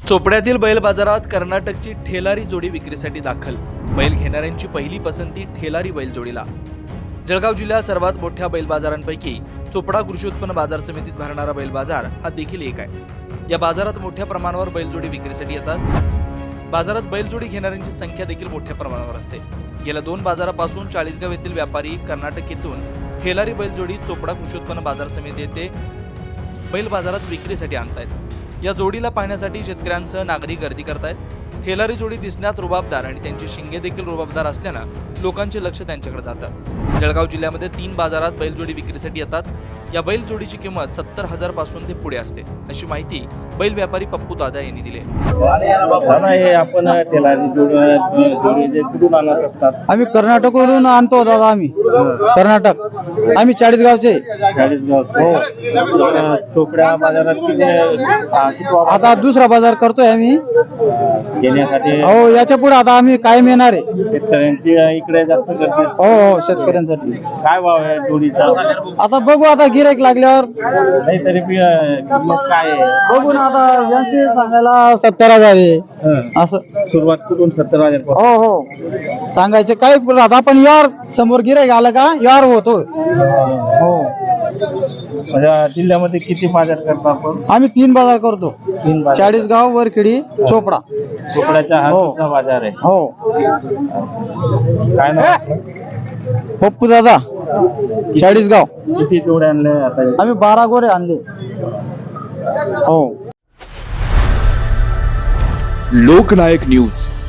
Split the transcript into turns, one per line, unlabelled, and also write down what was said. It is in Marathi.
चोपड्यातील बैल बाजारात कर्नाटकची ठेलारी जोडी विक्रीसाठी दाखल। बैल घेणाऱ्यांची पहिली पसंती ठेलारी बैल जोडीला। जळगाव जिल्ह्यात सर्वात मोठ्या बैल बाजारांपैकी चोपडा कृषी उत्पन्न बाजार समितीत भरणारा बैल बाजार हा देखील एक आहे। या बाजारात मोठ्या प्रमाणावर बैलजोडी विक्रीसाठी येतात। बाजारात बैलजोडी घेणाऱ्यांची संख्या देखील मोठ्या प्रमाणावर असते। गेल्या 2 बाजारापासून चाळीसगाव येथील व्यापारी कर्नाटक येथून ठेलारी बैलजोडी चोपडा कृषी उत्पन्न बाजार समिती येथे बैल बाजारात विक्रीसाठी आणतायत। या जोडीला पाहण्यासाठी शेतकऱ्यांसह नागरिक गर्दी करतायत। ठेलारी जोडी दिसण्यात रुबाबदार आणि त्यांची शिंगे देखील रुबाबदार असल्यानं लोकांचे लक्ष त्यांच्याकडे जातं। जळगाव जिल्ह्यामध्ये 3 बाजारात बैलजोडी विक्रीसाठी येतात। या बैलजोडीची किंमत 70,000 पासून ते पुढे असते, अशी माहिती बैल व्यापारी पप्पू दादा यांनी दिली।
हे आपण ठेलारी जोडी कुठून आणत असतात?
आम्ही कर्नाटकवरून आणतो दादा। आम्ही कर्नाटक, आम्ही चाळीसगावचे।
हो, चोपड्या बाजारात किती
आता दुसरा बाजार करतोय आम्ही
घेण्यासाठी।
हो, याच्या पुढे आता आम्ही कायम येणार आहे।
शेतकऱ्यांची इकडे जास्त गर्दी।
हो, शेतकऱ्यांसाठी
काय भाव आहे जोडीचा?
आता बघू, आता गिराईक लागल्यावर
नाही तरी किंमत काय आहे
बघू ना। आता यांचे सांगायला 70,000 आहे असं।
सुरुवात कुठून 70,000 पासून?
हो हो, सांगायचे काय आता आपण यार समोर गिराईक आलं का यार होतो। हो,
जिल्ह्यामध्ये किती बाजार करतो आपण?
आम्ही 3 बाजार करतो।
3 बाजार।
चाळीसगाव, वरखेडी, चोपडा।
चोपड्याचा हा
हो.
दुसरा बाजार आहे।
हो,
काय नाव?
पप्पू दादा, चाळीसगाव।
किती जोड्या आणले आता?
आम्ही 12 गोरे आणले। हो।
लोकनायक न्यूज।